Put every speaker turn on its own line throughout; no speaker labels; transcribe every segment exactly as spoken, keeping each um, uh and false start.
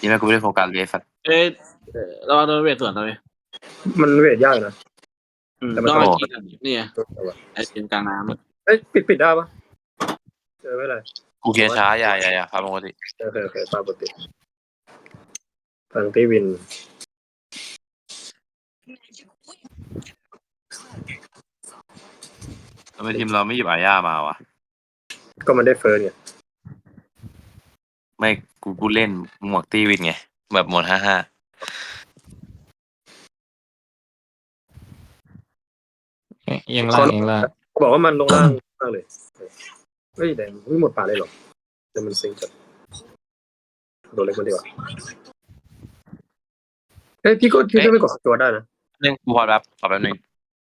ที่แม่กูไม่ได้โฟกัสเลยสัตว์
เอ้ยเราเอาโดนเวทสวนเลย
มันเวทยากนะ
อืม
แต่มัน
ต้องเอา
โอ้
จีกันนี่ไงไอ้ทีมกลางน้ำอะ
เอ้ยปิดปิดได้ปะเออไม่เป็นไร
กูเคลียร์ช้าอย่าอย่าอย่าครับปกติ
โอเคโอเคตามปกติทางตีวิน
ทำไมทีมเราไม่หยิบอาญามาวะ
ก็มันได้เฟิร์สไง
ไม่กูกูเล่นหมวกตีวินไงแบบหมดห้าห้า
เอ๊ะเอียงล่างเอียงล่าง
เขาบอกว่ามันลงล่างมากเลยเฮ้ยแดงไม่หมดป่าเลยหรอเดี๋ยวมันซิงจัดโดนเล็กมันดีกว่าเฮ้ยพี่ก็พี่ก็ไม่กดตัวได้นะ
เล่นกูพอแบบขอแป๊บนึง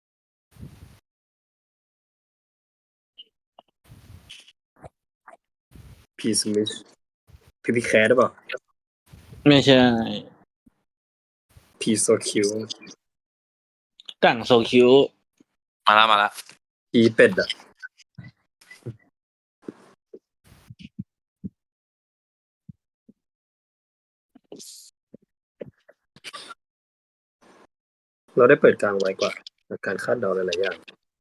พีสมิธพีพีแคร์ได้เปล่า
ไม่ใช่
พีโซคิว
กังโซคิว
มาแล้วมาแล้ว
พีเป็ดอ่ะเราได้เปิดกลางไว้กว่าการคาดเดาหลายๆอย่าง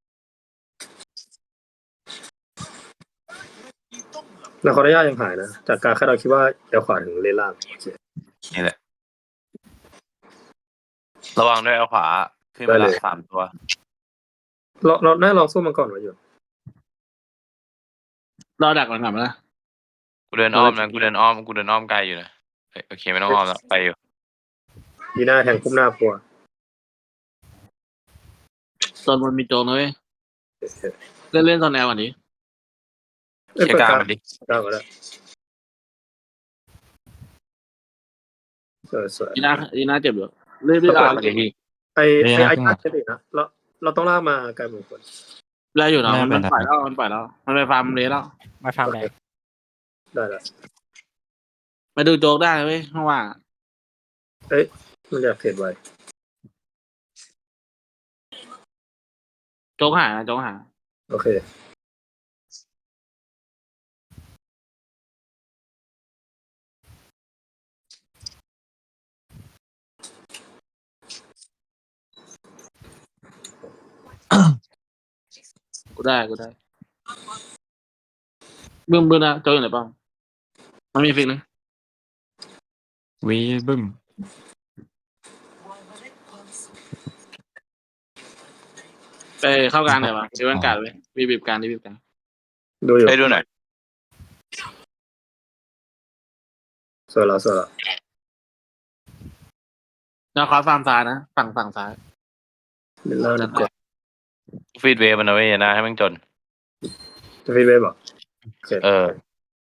นาคอร์ดย่ายังหายนะจากการคาดเดาคิดว่าเดี๋ยวขวาถึงเลนล่าง
นี่แหละระวังด้วยเอาขวาขึ้นมาละสามตัว
เราเราน่าลองสู้มันก่อนไว้อยู่
รอดักมันกลับมานะ
กูเดินอ้อมนะกูเดินอ้อมกูเดินอ้อมไกลอยู่นะเฮ้ยโอเคไม่ต้องอ้อมแล้วไปอยู่
ดีหน้าแทงคุ้มหน้าปัว
ตอนบนมีโจงนะเว้ยเล่นเล่นตอนแนววันนี้
เอ้ย
เช็ค
เปิด
กลาง
กลาง
มันดิ
กลางก็ได้สวยสวย
ดีน่าดีน่าเจ็บอยู่เล่นเล่น
กลา
อ่ะ
งมันดิพี่
ไอไอไอคัดเฉยนะเราเราต้องลากมาไกลหมดคน
ได้อยู่นะมันมันปล่อยแล้วมันปล่อยแล้วมันไปฟาร์มเลสแล้ว
มาฟาร์มแบก
ได้แล้ว
มาดูโจกได้เว้ยเพราะว่า
เอ้ยมันอยากเทรดไว้
โจกหาโจกหา
โอเค
กูได้กูได้บึ้มบึ้มนะโจกอยู่ไหนบ้างมันมีฟิกนึง
วีบึ้ม
ไปเข้ากลางหน่อยวะดูบรรยากาศเว้ยบีบีบกลางบีบีบกลาง
ดูอยู่
ให้ดูหน่อย
สวยแล้วสวยแล้ว
แนวคอฟาร์มซ้ายนะฝั่งฝั่งซ้าย
เล่นล่างดีกว่า
ฟีดเวย์มันเอาไว้นะให้มันจน
จะฟีดเวฟเหรอโอเค
เออ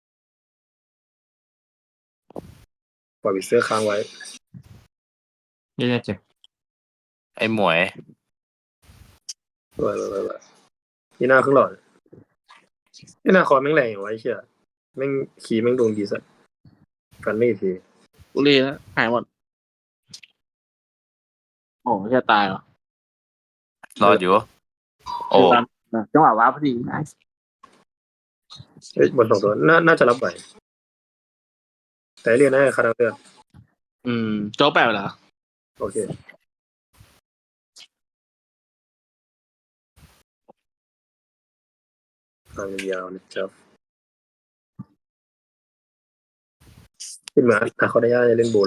ปล่อยวิเซอร์ค้างไว้
เยี่ยเจ็บ
ไอ้หมวย
สวยสวยสวยนี่หน้าครึ่งหลอดนี่หน้าคอร์แม่งแรงอย่างไว้เชี่ยแม่งขี่แม่งดวงดีสัสกันไม่กี่ที
กูรีแล้วหายหมดโอ้ไม่ใช่ตายหรอ
รอดอยู่โอ้
จังหวะว้าพอดีไ
เอ้ยบนสองตัวน่าน่าจะรับไหวแต่เรียนได้คาราเตอร์
อืมโจ๊กแปลกเหรอ
โอเคทางยาวนะครับขึ้นมาถ้าเขาได้ย่าจะเล่นบูเรา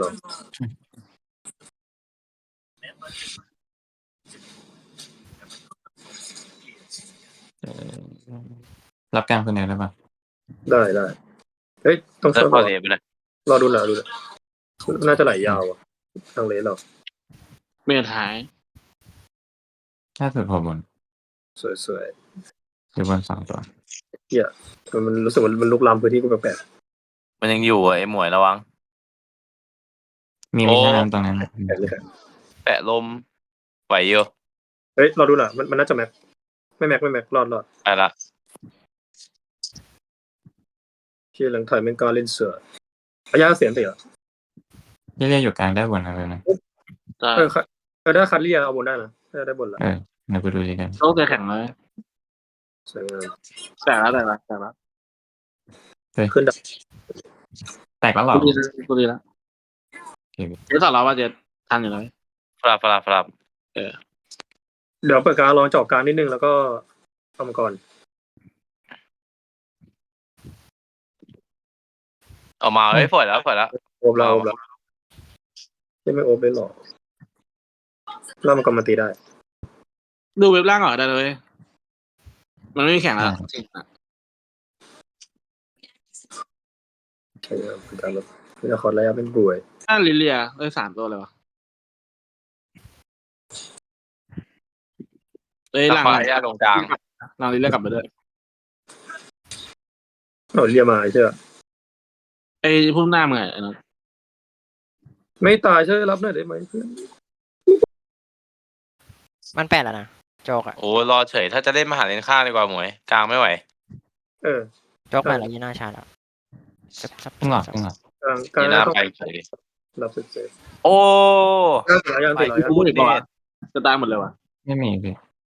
เอ่อรับกลางคนไหนได้ปะ
ได้ได้เฮ้ยต้อง
เลิ
ช่
ก
วย
พ
ร
อ
อ
เลยไปเลย
รอดูหน่อยดูหน่อยน่าจะไหลยาวอ่ะทางเลนเรา
เมียหาย
ถ้าสุดพอบน
สวยสวย
หรือบนสองตัว
ๆเฮียมันรู้สึกว่ามันลุกลามพื้นที่กูแปลก
มันยังอยู่อ่ะไอ้หมวยระวัง
มี
โอ้
วิชาน้ำตรงนั้น
ๆแปลกเลยครับ
แปะลมไหวอยู่
เฮ้ยรอดูหน่อยมันมันน่าจะแม็กไม่แม็กไม่แม็กรอดรอด
ไปละ
ที่หลังถอยแม่งก็เล่นเสือระยะเสียงเตะ
เยี่ยอยู่กลางได้บนอะไรนะ
แต่
เออเออถ้าคัดเรียเอาบนได้นะถ้าได้บนละ
เออเดี๋ยวกูดูดีกัน
โจ๊กจะแข็งเลย
สวยงาม
แต่แล้วแต่แล้วแต่แล้ว
ขึ้นดับ
แตกแล้วเหรอ
กูดีแล้วกูดีแล้ว
เค
เดี๋ยวต่อเราว่าจะทันอยู่แล้ว
ฟลับฟลับฟลับ
เดี๋ยวเปิดการลองเจาะกลางนิดนึงแล้วก็ทำก่อน
ออกมาเฮ้ยฝอยแล้วฝอยแล้ว
โอบเราโอบเราไม่ไม่โอบเลยหรอกแล้วมันก็มาตีได้
ดูเว็บล่างก่อนได้เลย มันไม่มีแข่งแล้ว
ใช่ครับเป็นการลดเป็นคอร์ดระยะเป็นบวย
ถ้าลิเลียได้สามตัวเลยวะเอ้ย
ตะ
หลัง
ควายยาตรงกลาง
หลังลิเลียกลับไปด้วย
เราเรียมาใช่ไหม
ไอ้พุ่มหน้ามึงไงไอ้นั่น
ไม่ตายใช่วยรับหน่อยได้ไหมเพื่อน
มันแปดแล้วนะโจกอะ
โอ้รอเฉยถ้าจะเล่นมาหาเลนข้างดีกว่าหมวยกลางไม่ไหว
เออ
โจกแปดแล้วยีน่าชาแล้วซับซับ
ขึ้นหลอดขึ้นหลอด
กลางกลาง
ยีน่า
ต้อง
ไปเฉย
รับสุดเซฟ
โอ้
กลางติดแล้วยังติดแล้วยัง
พูดอีกป่าวะจะตายหมดเลยวะ
ไม่มีพี่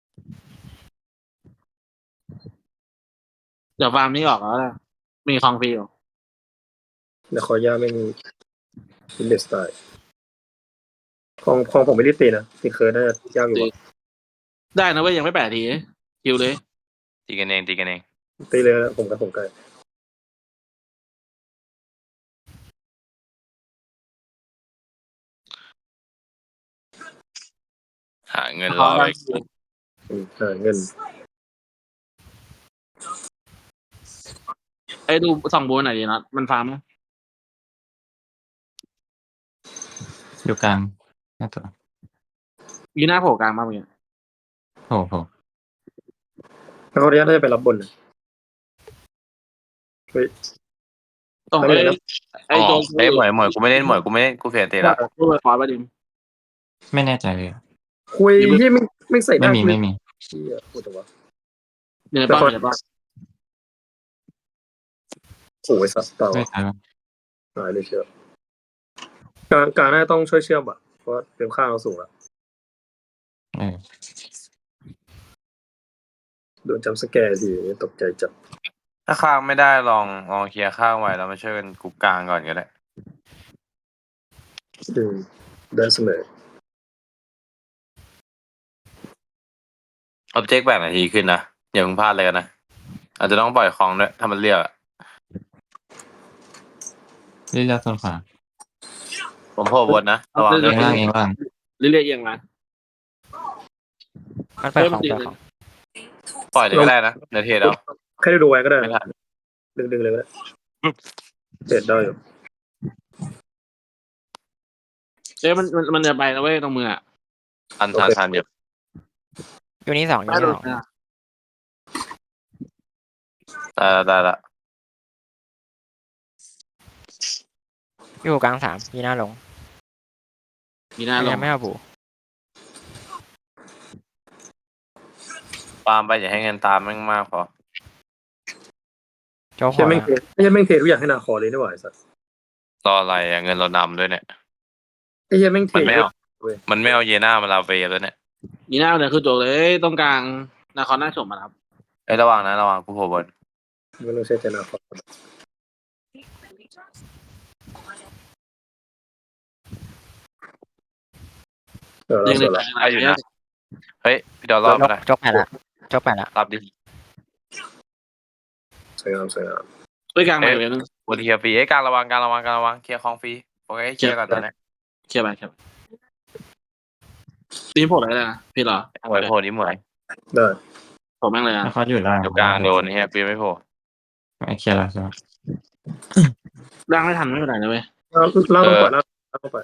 เดี๋ยวฟาร์มนี้ออกแล้วนะมีคลองฟรีอยู่
เดี๋ยวขอย่าไม่มีอินเดสไตล์ของของผมไม่ได้ตีนะตีเคิร์ดน่าจะยากอยู่อะ
ได้นะเว้ยยังไม่แปดทีคิวเลย
ตีกันเองตีกันเอง
ตีเลยนะผมกับผมไกล
หาเงินรอไป
อืมเออเงิน
ไอ้ดูส่องโบนหน่อยดีนะมันฟาร์มไหม
อยู่กลางหน้าตัว
ยีหน้าโผล่กลางมากเลย
โอ้โห
แล้วเขาเรียกน่าจะไปรับบนนะเฮ้ย
ตรง
ไม่
ไอ้
เป็นไรนะ
ไอ้
อ๋อ
โจ
เอ้ยหมวยหมวยกูไม่เล่นหมวยกูไม่เล่นกูเสียเตะละ
พูดไปขอประดิม
ไม่แน่ใจเลย
คุยที่ไม่ไม่ใส่ห
ไม่
น้า
มี
คุย
ไม่มี
เชี่ยพูดแต่ว่า
เหนือป้อมเหนือป้อม
โอ้ยสัตว์เต่า
ไม่ใช่ปะ
หายเลยเชียวกลางกลางน่าต้องช่วยเชื่อมอ่ะเพราะว่าเต็มข้างเราสูงแล้ว
เออ
โดนจำสแกร์ทีตกใจจัด
ถ้าข้างไม่ได้ลองลองเคลียร์ข้างไว้แล้วมาช่วยกันกรุ๊ปกลางก่อนก็ได้
อืมได้เสมอ
ออบเจกต์แบ่งนาทีขึ้นนะอย่าเพิ่งพลาดเลยกันนะอาจจะต้องปล่อยของด้วยถ้ามันเรียกอะ
เรียกต้นขวา
ผมโผล่บนนะระวัง
เอ
ด้วย
งล่างเองล่าง
ลิเลียเอียงมา
มันเปิดของเปิดของ
ปล่อยเลยก็ได้นะเดี๋ยวเทรดเอา
แค่ได้ดูไว้ก็ได้
ไม่ทัน
ดึงดึงๆเลยก็ได้เสร็จได้อยู่
เอ้ยมันมันมันจะไปแล้วเว้ยตรงมืออ่ะ
ทันทันทันอยู่
อยู่นี่สองอยู่
ไม่
นี่
โด
ส
น
อง
นะ
ได้ละได้ละ
อยู่กลางสามยีน่าลง
มีหน้าลง
ยังไม่เอาบู
ตามไปอย่าให้เงินตามแม่งมากพอ
โจกหั
เชี่ยว แม่ง
นะ
เทไม่ใช่แม่งเททุกอย่างให้นาคอเลยนี่หว่าไอ้สัส
รออะไรอะเงินเรานำด้วยเนี่ย
ไอ้เหี้ยแม่งเท
มันไม่เอามันไม่เอาเยน่ามาลาเวฟแล้วเนี่ย
มีหน้าเนี่ยคือโจกเลยตรงกลางนาคอนหน้าชมมาครับ
ไอ้ยระวังนะระวังกูโผล่บน
ไม่ต้องใช้ใจนาคอเออ
ยิ
เรา
ง
ส
เล
วย ยละ
ได้อยู่นะเฮ้ยพี่ดอลรอบนะ
โจกแปดละโจกแปดละ
รับดิ
สวยงามสวยงาม
ด้วยกลางใหม่เว้ยนึง
บนเคลียร์ฟรีไอ้ยการระวังการระวังการระวังเคลียร์ของฟรีโอเคเคลียร์ก่อนตอนนี้
เคลียร์ไปเคลียร์ไปตีมโผล่อะไรนะพี่เหรอ
หมวยโผล่ดิหมวย
ได้
ผมแม่งเลยอ่ะ
แล้วเขาอยู่ล่าง
อยู่กลางโดนเฮียฟรีไม่โผล่
ไอ้เคลียร์แล้วใช่ไหม
ร่างไม่ทันไม่เป็นไรนะเว้ย
ล่างต้องปล่อยล่างล่างต้องปล่อย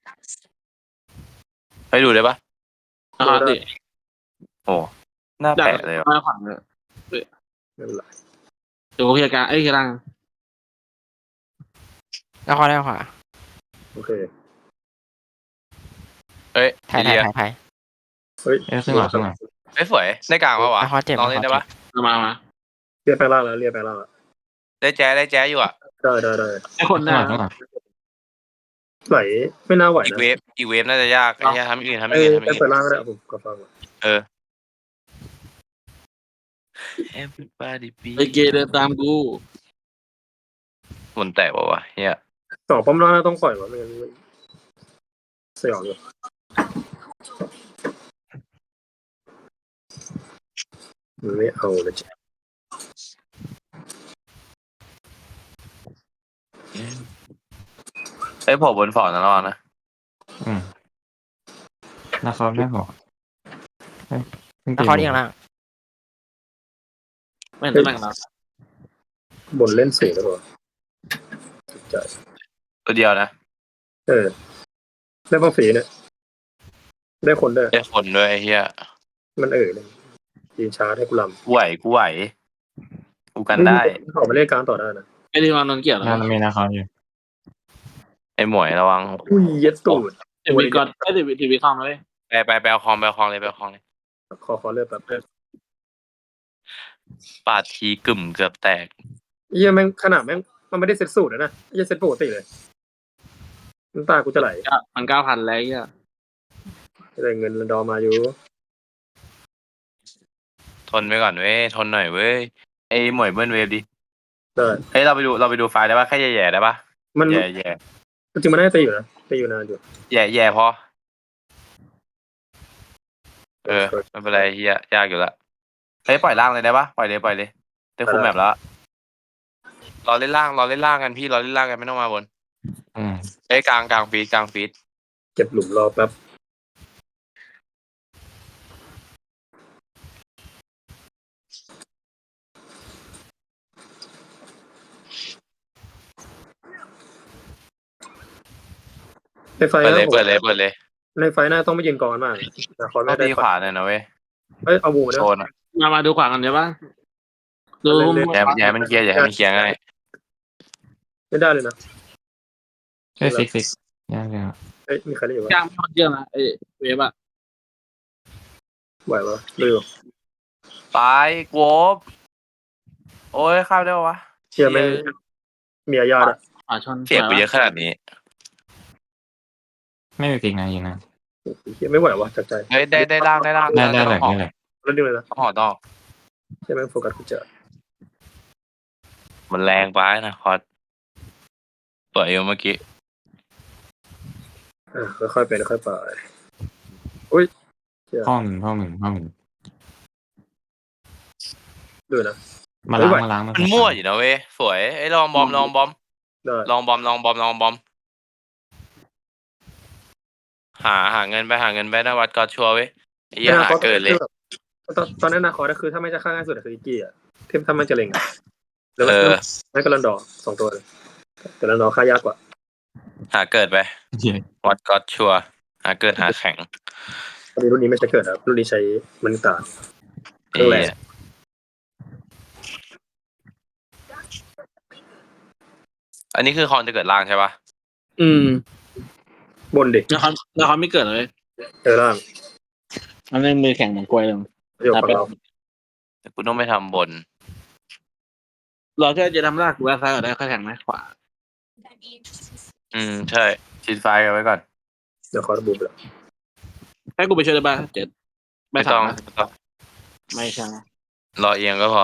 ให้ดูได้ปะ
นาคอนติ
โอ้หน้า
ดัก
แปะเลยว่ะ
มาขวางเลย
ไม่เป็นไร
เดี๋ยวกูเคลียร์กลางเอ้ยเคลียร์ล่าง
แล้วขวาแล้วขวา
โอเค
เอ้ย
ถ่าย
ไอ
ถ่าย
เดีย
ถ่ายถ่าย
เฮ้ย
เอ้ยขึ้นหลอดขึ้นหลอด
เอ้ยสวยได้กลางปะวะ
แล้วขวาเจ็บ
ลองเล่นได้ปะ
เอามามา
เรียกแปลงล่างแล้วเรียกแปลงล่างแล้ว
ได้แจ๊ได้แจ๊อยู่อ่ะ
ได้ได้ได้
ไอ้คนห
ขึ้น
น้า
หลอดขึ้นหลอด
ไหลไม่น่าไหว
อีก
นะ
เวฟอีกเวฟน่าจะยากไอ้เหี้ยทำอย่างอื่นทำอ
เอ้
ย่าง
ย
อื่นทำอย่าง
ไป
อื่น
ล่างก็ได้ผมก็ฟัง
เออ Everybody be
ไอ้เกย์เดินตามกู
มันแตกปะวะเฮีย
สองป้อมล่างน่าต้องปล่อยวะไม่งั้นสยองอยู่มันไม่เอาเลยจ้ะ
เอ้ยผมบนฟอร์ดนะระวังนะ
อืมนาคอไม่พอเฮ้ยเพิ่ง
นา
ตี
คอที่ข้างล่าง
ไม่เห็นตำแหน่งเรา
บนเล่นสูงแล้วเหรอถูกใจ
ตัวเดียวนะ
เออได้ป้าฝีเนี่ยได้คนด้วย
ได้คนด้วยไอ้เฮีย
มันเอ่ยเลยยืนชาร์จให้กูลำ
กูไหวกูไหวกูกันได้
ขอมาเล่นกลางต่อได้นะ
ไอ้ที่วางนนเกี่ยวแล้ว
งานมีนาคออยู่
ไอ้หมวยระวัง
อุ้ยเย็ดตูด
ทีวีก่อนไอ้ทีวีทีวีคอมเลย
ไปไปไปเอาคอมไปเอาคอมเลยไปเอาคอมเลย
ขอขอเลือกแบบเออ
ปาดทีกึ่มเกือบแตก
เหี้ยแม่งขนาดแม่งมันไม่ได้เซ็ตสูตรนะนะเหี้ยเซ็ตปกติเลยน้ำตากูจะไหล
มันเก้าพันแล้วอ่ะ
ได้เงินดอมาอยู่
ทนไปก่อนเว้ยทนหน่อยเว้ยไอ้หมวยเบิ้ลเวฟดิ
ได้
เฮ้ยเราไปดูเราไปดูไฟล์ได้ปะแค่แย่ๆได้ปะ
มัน
แย่แย่
จริงๆมันน่าจะตีอยู่นะตีอยู่นานอยู่
แย่แย่พอเออไม่เป็นไรเฮียยากอยู่ละเฮ้ยปล่อยล่างเลยได้ปะปล่อยเลยปล่อยเลยได้คุมแมปแล้วรอเล่นล่างรอเล่นล่างกันพี่รอเล่นล่างกันไม่ต้องมาบน
อืม
เฮ้ยกลางกลางฟีดกลางฟีด
เก็บหลุมรอแป๊บในไฟ
เปิด
นะ
เลย
ผม
เปิดเลยเปิดเลย
ในไฟหน้าต้องไม่ยืนกองกันมากแต่คอย
ต้
ไม่
อง
ได้
ตีขวาหน่อยนะเว้ย
เอ้ยเอาบูมาด้
โซ
วย
นอะ
มามาดูขวากันเดี๋ยวป่ะดู
อย่าอย่าให้มันเคลียร์อย่าให้มันเคลียร์ง่าย
ไม่ได้เลยนะ
เฮ้ยฟิกฟิกยากเลย
เอ้ยมีใครเล่นอยู่
กลา
ปะ
งไม่เยอะนะไอ้เวฟอะ
ไหวปะเร็ว
ไปโกบโอ้ยเข้าได้ปะวะ
เชียร์แม่งมีอาญาตอ่ะ
ขวาชน
เสียบไปเยอะขนาดนี้
ไม่มีฟิกนะยิงนะ
เชียร์ไม่ไหววะจากใจ
เฮ้ยได้ได้ล่างได้ล่าง
ได้ได้แหลก
ต้อง
ได้แหลก
แล้วดึงเลยนะ
ห่อต้อง
เชียร์แม่งโฟกัสกูเจอ
มันแรงไปนะคอสตัวเอวเมื่อกี้
อ่ะค่อยๆไปค่อยๆไปอุ้ยเชียร์
ห้องหนึ่งห้องหนึ่งห้องหนึ่ง
ดูนะ
มาล้างมาล้าง
มันมั่วอยู่นะเว้ยสวยไอ้ยลองบอมลองบอม
ได้
ลองบอมลองบอมลองบอม หาหาเงินไปหาเงินไปนะวัดก็ชัวร์เว้ยไอ้เหี้ยหาเกินเลย
ตอนตอนนั้นนาคอร์ก็คือถ้าไม่จะฆ่าง่ายสุดอะคืออีกี้อ่ะเทมถ้ามันจะเล็งอะแล้ว
เออ
นั่นก็ลันดอร์สองตัวเลยแต่ลันดอร์ฆ่ายากกว่า
หาเกิดไป
เหี้ย
วัดก็ชัวร์หาเกิดหาแข็ง
ตอนนี้รุ่นนี้ไม่ใช่เกิดครับรุ่นนี้ใช้มันตา เครื่
ไอ้
องแรง
เหี้ย อันนี้คือคอนจะเกิดล่างใช่ปะ
อืม
บนดิ
แล้วเขาแล้วเขาไม่เกิดเลย
เจอล่าง
มันเล่นมือแข่งเหมือนกล้วยเลย
ประโยคของเรา
แต่กูต้องไปทำบน
เราแค่จะทำลากกูว่าซ้ายก็ได้ค่อยแข่งไหมขวา
อืมใช่ชิดไฟกันไว้ก่อน
เดี๋ยวคอร์บูบแล้ว
ให้กูไปช่วยได้ป่ะเจ็ด
ไม่
ไม่
ต้
ต้
อ
อง ง
ไม่ต้อง
ไม่ใช่
รอเอียงก็พอ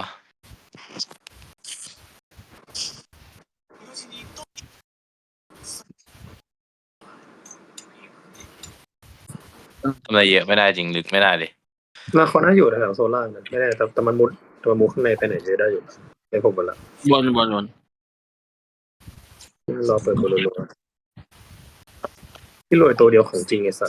ทำอะไรเยอะไม่ได้จริงลึกไม่ได้เลย
นาคอร์น่าอยู่แถวโซนล่างนะไม่ได้แต่แต่มันมุดตัวมุดข้างในไปไหนเยอะได้อยู่เป็นผมหมดละ
บนบนบน
รอเปิดบอลลูนที่รวยตัวเดียวของจริงไอ้สัส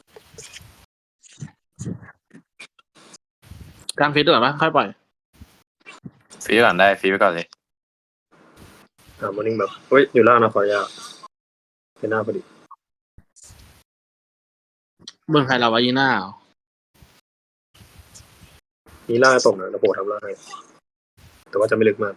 กลางฟีดด้วยป่ะค่อยปล่อย
ฟรีไว้ก่อนได้ฟรีไว้ก่อนเลย
อ่ามอร์นิ่งแบบเฮ้ยอยู่ล่างนาคอร์ยากเป็นหน้าพอดี
บนใครเราวายีน่า
มีล่างตกนะแล้วโผล่ทำล่างให้แต่ว่าจะไม่ลึกมาก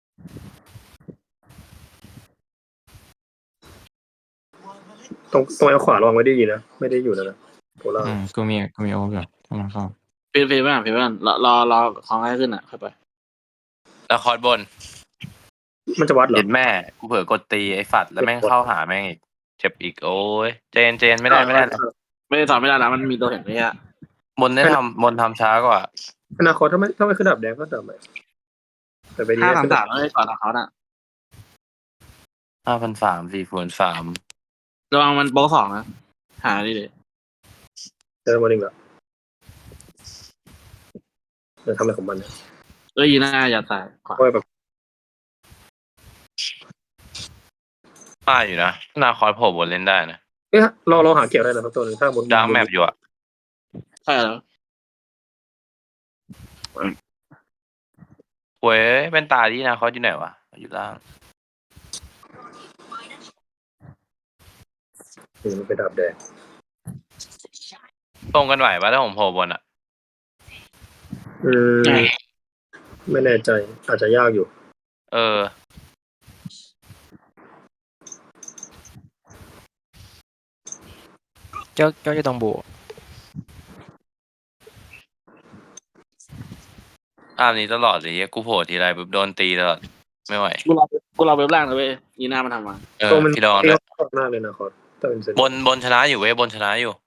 ตรงตรงเอาขวาระวังไว้ได้ดีนะไม่ได้อยู่นะนะโผล่ล่าง
อืมกูมีกูมีโอเวอร์อยู่ถ้ามันเข้า
ฟีดฟีดไม่อ่ะฟีดไม่อ่ะรอรอรอของให้ขึ้นอ่ะค่อยไป
แล้วคอร์ดบน
มันจะวัดเหรอ
เห็นแม่กูเผลอกดตีไอ้ฝัดแล้วแม่งเข้าหาแม่งอีกเจ็บอีกโอ้ยเจนเจนไม่ได้ไม่ได้
ไม่ได้สอนไม่ได้แล้วมันมีตัวเห็นไหมอ่ะ
บนได้ทำบนทำช้ากว่า
อนาคตถ้าไม่ถ้าไม่ขึ้นดับแดงก็ดับใหม่แต่ไปดี
ห้า
ได้
สาม
ขึ้น
สามไม่ได้ก่อนเขาน่ะ
ห้าพันสามสี่ฝนสาม
ระวังมันโป๊ะสองนะหาดิเลย
เจอมาหนึ่งละจะทำอะไรของมันเนี่ย
เอ้ยยีน่าอย่าตายขวา
เพราะว่าแบบ
มาอยู่นะนาคอยโผล่บนเล่นได้นะ
เอ๊ะเราเราหาเกี่ยวได้นะครับตัวหนึงถ้าบน
ดาร์กแมปอยู่อะ
ใช่แล้ว
หวยเป็นตาที่นาคอยอยู่ไหนวะอยู่ล่าง
อืมมันเป็นดาบแดง
ตรงกันไหวปะถ้าผมโผล่บนอะ
อืมไม่แน่ใจอาจจะยากอยู่
เออ
เจ้าเจ้าอยู่ตรงบู
ภาพนี้ตลอดเลยเหี้ยกูโผล่ทีไรปุ๊บโดนตีตลอดไม่ไหว
กูรอกูรอเว็บล่างนะเว้ยยีน่ามันทำมา
เออ
ตัวมัน
พี่ดอน
เที่
ด้วย
ยวมากเลยนะคอร์ถ้าเป็นเซน
บนบนชนะอยู่เว้ยบนชนะอยู่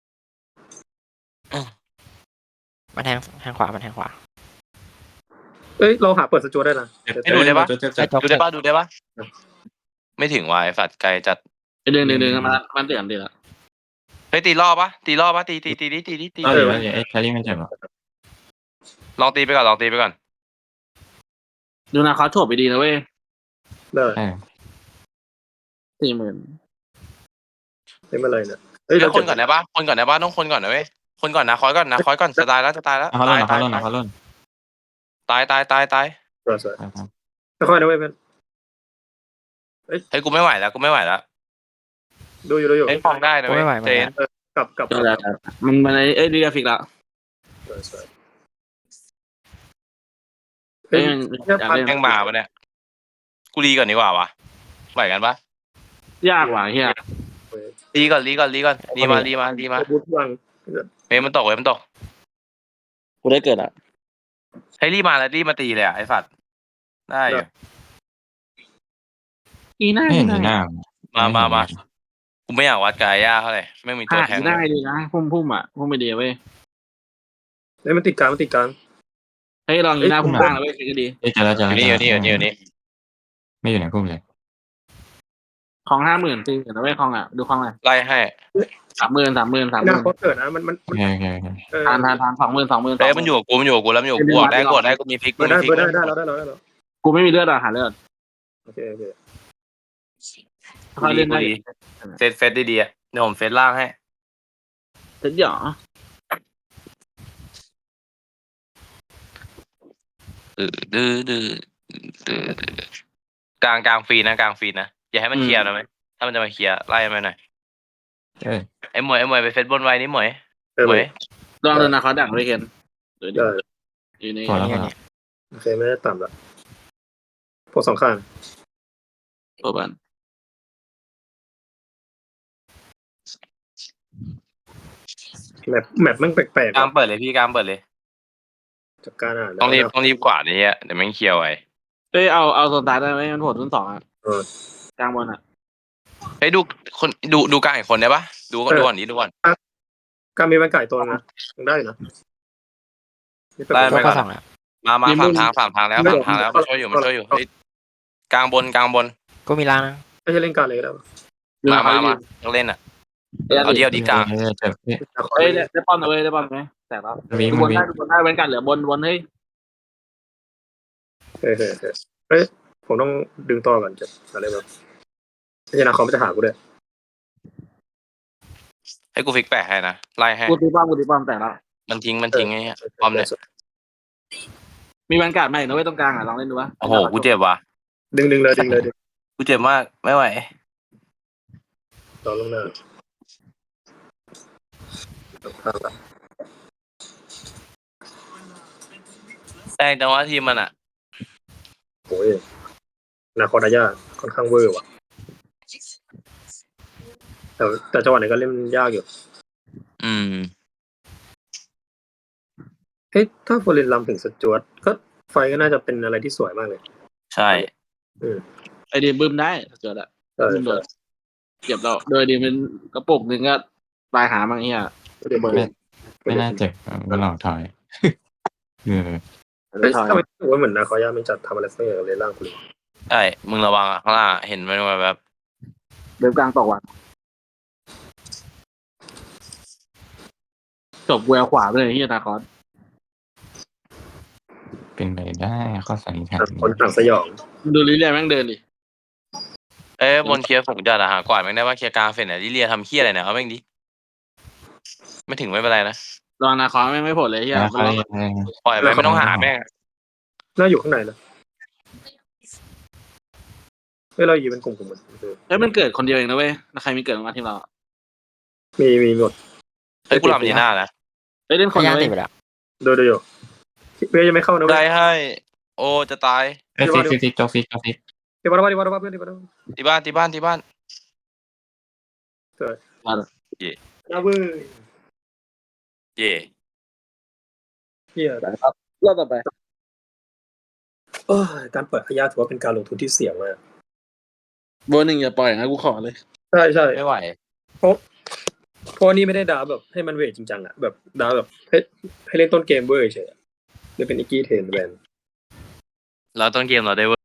มันแทงแทงขวามันแทงขวา
เอ้ยเราหาเปิดสจวตได้นะ
ให้ดูได้ปะ
เจ็บ
ไอ้
เจ็บ
จบ
ดูได้ปะดูได้ปะไม่ถึงวายฝัดไกลจัด
ไอ้เดินเดินเดินมามันเตือนเดือด
เฮ้ยตีรอบปะตีรอบปะตีตีตีตีตีตีตี
เอาเดี๋ยวเดี๋ยวไอ้แครี่มันเจ็บอ่ะ
ลองตีไปก่อนลองตีไปก่อน
ดูนะเขาโฉบไปดีนะเว้ย
ได้
เออ
สี่หมื่น
ไม่เป็นไรนะเอ้ย
เดี๋ย
เรา
วคนก่อนได้ปะคนก่อนได้ปะต้องคนก่อนนะเว้ยคนก่อนนะคอยก่อนนะคอยก่อนจะตายแล้วจะตายแล้ว
เอาเขาล่น
ตาย
เอา
ตา
เขา
ย
ล่นเอาเขาล่น
ตายตายตายตาย
เราสวย
เอาเขา
ค่อยๆนะเว้ยเพื่อน
เฮ้ยกูไม่ไหวแล้วกูไม่ไหวแล้ว
ดูอยู่ดูอยู่
เฮ้ยฟองได้นะ
กู
เว้ย
ไม่ไหวเหมือ
เจ
น
น
กัน
กลับกลับ
ก็แล้วแต่มันมันไอ้เอ้ยดีกราฟิกละ
สวยสวย
เอ้
เฮ้
ย
ย
มันอยากเล่น
แม่งมาปะเนี่ยกูรีก่อนดีกว่าวะไหวกันปะ
ยากว่ะเฮีย
รีก่อนรีก่อนรีก่อนรีมารีมารีมา
บูทวาง
เฮ้ยมันตกเว้ยมันตก
กูได้เกิดอ่ะ
ให้รีมาแล้วรีมาตีเลยอ่ะไอ้ฝัดได้อยู่
อีน่า
ไม่เห็นหน้า
มามามากูไม่อยากวัดกายย่าเท่าไหร่ไม่มีตัว
หา
แทง
อีน่าดีนะพุ่มพุ่มอ่ะพุ่มไปดีเว้ย
เฮ้ยมันติดกลางมันติดกลาง
เฮ้ยลองอีน่าพุ่มล่างนะเว้ยก็ดี
เอ้ยเจอแล้วเจอ
อ
แล้ว
ยู่นี่อยู่นี่อยู่นี่อยู่นี่
ไม่อยู่ในกลุ่มเลย
ของห้าหมื่นตีเห็นนะเว้ยของอ่ะดูของอ่ะ
ไล่ให้
สามหมื่นสามหมื่นสามห
หน้า
มื่น
เขาเกิดนะมันมัน
โอเคโอเคโอเค
เออ
ทานทานทานสองหมื่นสองหมื่น
เฮ้ยมันอยู่กับกูมันอยู่กับกูแล้วมันอยู่กับกูอ่ะได้กดได้กูมีพลิก
เปิ
กู
ด
มี
ได้
พลิก
เปิดได้ได้แล้วได้แล้วได้แล้ว
กูไม่มีเลือดอ่ะหาเลือด
โอเคโอเค
เขาเล่นได้
เฟซเฟซดีๆอ่ะเดี๋ยวผมเฟซล่างให้
เสร็จหยอ
ดื้อดื้อดื้อดื้อกลางกลางฟรีนะกลางฟรีนะอย่าให้มันเคลียร์นะไหมถ้ามันจะมาเคลียร์ไล่มันหน่อย
เอ้ย
ไอ้หมวยไอ้หมวยไปเฟซบนไว้นี่หมวย
เออ
หมวย
ลองเดินนะเขาดักไว้เห็นเดี๋ยว
ได้
อยู่ใน
พอแล้วพ
เนี่
อย แล้ว
เนี่ย
โอเคไม่ได้ต่ำละพวกสองข้าง
ตัวบัน
แมปแมปมันแปลก
กลางเปิดเลยพี่กลางเปิดเลย
ๆจากการอ่าน
ต้องรีบต้องรีบกว่านี้อ่ะเดี๋ยวแม่งเคลียร์ไว้
เอ้ยเอาเอาโซนตายได้ไหมมันโหดรุ่นสองอ่ะ
เออก
ลางบนอ่ะ
เฮ้ยดูคนดูดูกลางอีกคนได้ปะดูก่อนดูก่อนนี้ดูก่อน
การมีแบงไก่ตัวนะยังได้นะนี่เป็น
ได้
เจ้า
ไปก่
ก็
อน
สองแล้ว
มามาสามทางสามทางแล้วสามทางแล้วมาช่วยอยู่มาช่วยอยู่เฮ้ยกลางบนกลางบน
กูมีล้างนะ
ไม่ใช่เล่นการเลยก็ได้
มามามาต้องเล่นอ่ะเอาเดียวดีกลาง
เอ้ยเจ็บเอ้ย
เฮ้ยได้ป้อนนะเว้ยได้ป้อนไหมแต่แล้ว
มี
ดู
มั
บ
น
น
มี
ได้ดูบนได้เว้นกันเหลือบนบนเฮ้ย
เฮ้ยเฮ้ยเฮ้ยเฮ้ยผมต้องดึงต่อก่อนจะอะไรแบบไม่ใช่นะเขาไม่จะหากูด้วย
ให้กูฟิกแปะให้นะไล่ให้
กูตีป้อมกูตีป้อมแต่แล้ว
มันทิ้งมันทิ้งไอ้เงี้ยพร้อมเนี่ย
มีแวนการ์ดใหม่นะเว้ยตรงกลางอ่ะลองเล่นดูวะ
โอ้โหกูเจ็บว่ะ
ดึงดึงเลยดึงเลยดึง
กูเจ็บมากไม่ไหว
ต่อลงหน้าข้างละ
แรงจังวะทีมมันอ่ะ
โอ้ยนาคอดายาค่อนข้างเวอร์ว่ะแต่แต่จังหวะไหนก็เล่นยากอยู่
อืม
เฮ้ยถ้าฟอร์เรนลำถึงสจวตก็ไฟก็น่าจะเป็นอะไรที่สวยมากเลย
ใช่
ไอเดียบึ้มได้เจอละ
ใช่
บึ้มโด
ใช่
นเก็บเราโดยดีเป็นกระปุกหนึ่งก็ตายหาบางเฮีย
ไม่ได้เบอร์
ไม่น่าเจ็บอ่ะมันหลอกถอยเออ
เฮ้ยทำไมรู้สึกว่าเหมือนนาคอยาไม่จัดทำอะไรสักอย่างเลยร่างคุณ
ใช่มึงระวังอ่ะข้างล่างอะเห็นมันแบบ
เดินกลางตกว่ะจบแววขวาไปเลยที่นาคอส
เป็นไปได้ข้อสันนิษฐาน
ต่างคนต่างสยอง
ดูลิเลียแม่งเดินดิ
เอ้ยบนเคลียร์ผมจัดอะหากวาดแม่งได้ว่าเคลียร์กลางเสร็จเนี่ยลิเลียทำเคี้ยอะไรเนี่ยเอาแม่งดิไม่ถึงไม่เป็นไรนะ
รอนาคอสแม่งไม่ผลเลยเฮีย
แล้ว
มัน
เขา
รอ
เรียกอะไร
ปล่อยไปไม่ต้องหาแม่ง
น่าอยู่ข้างในนะเฮ้ยเราอยู่เป็นกลุ่มกลุ่มๆเออ
เอ้ยมันเกิดคนเดียวเองนะเว้ยแล้วใครมีเกิดมาทีมเรา
มีมีหมด
เฮ้ยกูรำยีน่านะ
เอ้ยเล่นคน
พยา
เดี
ยาม
ยว
ติด
เว้ย
ไปแล้ว
โดยโดยอยู่เพื่อนยังไม่เข้านะเว้
ได้
ย
ให้ โอ้จะตาย
เอ้ยฟิกฟิกฟิกโจกฟิกโจกฟิก
เดี๋ยวมาเดี๋ยวมาเดี๋ยวมาเพื่อนเดี๋ยวมาเดี๋ยวมา
ที่บ้านที่บ้านที่บ้าน
น้าเว้ย
เย่
เฮีย
รอบต่อไป
โอ้ยการเปิดพยาถือว่าเป็นการลงทุนที่เสี่ยงมาก
โบนหนึ่งอย่าปล่อยนะกูขอเลย
ใช่ใช่
ไม่ไหว
เพราะเพราะนี่ไม่ได้ดาแบบให้มันเวทจริงจังอะแบบดาแบบให้ให้เล่นต้นเกมเว้ยเฉยๆหรือเป็นอีกกี้เทนแวน
เราต้นเกมเราได้เว้ย